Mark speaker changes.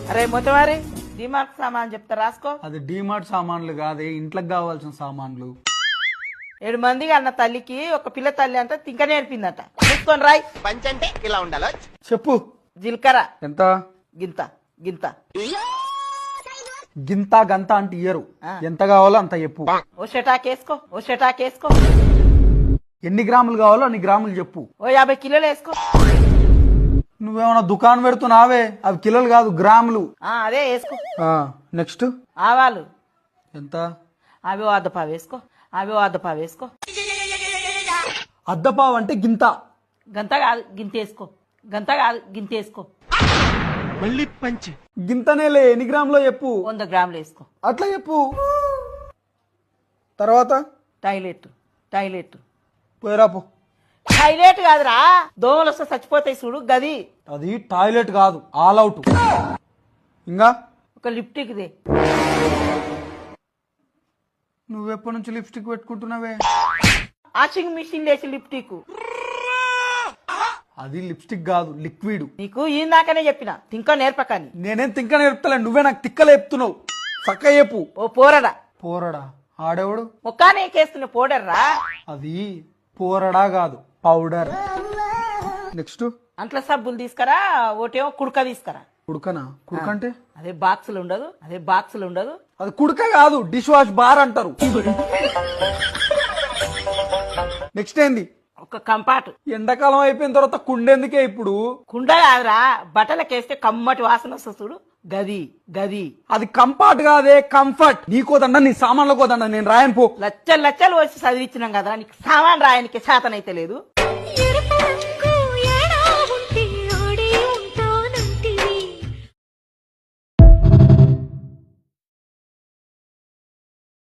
Speaker 1: అరే మొత్తవారి డిమార్ట్ సామాన్ చెప్తా రాసుకో.
Speaker 2: అది డిమార్ట్ సామాన్లు కాదే, ఇంట్లోకి కావాల్సిన సామాన్లు.
Speaker 1: 7 మందికి అన్న తల్లికి ఒక పిల్ల తల్లి అంతా తింక నేర్పిందట. చూసుకొని రాయ్.
Speaker 3: పంచంటే ఇలా ఉండాలో.
Speaker 2: చెప్పు.
Speaker 1: జీలకర్ర
Speaker 2: ఎంత?
Speaker 1: గింత గింత.
Speaker 2: గింత గంత అంటే ఇయ్యరు, ఎంత కావాలో అంత చెప్పు.
Speaker 1: ఓ షటాకేసుకో, ఓ షటాకేసుకో.
Speaker 2: ఎన్ని గ్రాములు కావాలో అన్ని గ్రాములు చెప్పు.
Speaker 1: ఓ 50 కిలోలు వేసుకో.
Speaker 2: నువ్వేమన్నా దుకాణం పెడుతున్నావే, అవి కిలోలు కాదు గ్రాములు.
Speaker 1: అదే వేసుకో.
Speaker 2: నెక్స్ట్
Speaker 1: ఆవాలు
Speaker 2: ఎంత?
Speaker 1: అవి అద్దపావు వేసుకో, అవి అద్దపావు వేసుకో.
Speaker 2: అద్దపావు అంటే గింత.
Speaker 1: గంత కాదు గింత వేసుకో, గంత కాదు గింత వేసుకో.
Speaker 3: మళ్ళీ పంచి
Speaker 2: గింతనేలే, ఎన్ని గ్రాములో చెప్పు.
Speaker 1: 100 గ్రాములు వేసుకో.
Speaker 2: అట్లా చెప్పు. తర్వాత
Speaker 1: టాయిలెట్ టాయిలెట్
Speaker 2: పోయిరాపు.
Speaker 1: టాయిలెట్ కాదురా, దోమలు వస్తే చచ్చిపోతాయి చూడు గది.
Speaker 2: అది టాయిలెట్ కాదు, ఆల్ అవుట్. ఇంకా
Speaker 1: ఒక లిప్టిక్ దే.
Speaker 2: నువ్వెప్పటి నుంచి లిప్స్టిక్ పెట్టుకుంటున్నావే?
Speaker 1: వాషింగ్ మిషన్ లేచి లిప్టిక్.
Speaker 2: అది లిప్స్టిక్ కాదు, లిక్విడ్.
Speaker 1: నీకు ఇందాకనే చెప్పిన తింక నేర్పకని.
Speaker 2: నేనేం తిక్క నేర్పుతలే, నువ్వే నాకు తిక్కలు చెప్తున్నావు. చక్క చెప్పు.
Speaker 1: ఓ పోరడా.
Speaker 2: పోరడా? ఆడేవాడు?
Speaker 1: ముఖానే కేస్తున్న పోడర్రా.
Speaker 2: అది పోరడా కాదు, పౌడర్. నెక్స్ట్
Speaker 1: అంట్ల సబ్బులు తీసుకురా, ఒకటేమో కుడక తీసుకురా.
Speaker 2: కుడుకనా? కుడుక అంటే
Speaker 1: అదే బాక్సులు ఉండదు, అదే బాక్సులు ఉండదు.
Speaker 2: అది కుడుక కాదు, డిష్ వాష్ బార్ అంటారు. నెక్స్ట్ ఏంది?
Speaker 1: ఒక కంపాటు.
Speaker 2: ఎండాకాలం అయిపోయిన తర్వాత కుండెందుకే ఇప్పుడు?
Speaker 1: కుండ కాదురా, బట్టలకేస్తే కమ్మటి వాసన వస్తుంది చూడు గది గది.
Speaker 2: అది కంఫర్ట్ కాదే, కంఫర్ట్. నీకోదండ, నీ సామాన్ల కోదండ, నేను రాయను పో.
Speaker 1: లచ్చలు లచ్చలు వచ్చి చదివించినాం కదా, నీకు సామాన్ రాయనికి శాతనైతే లేదు.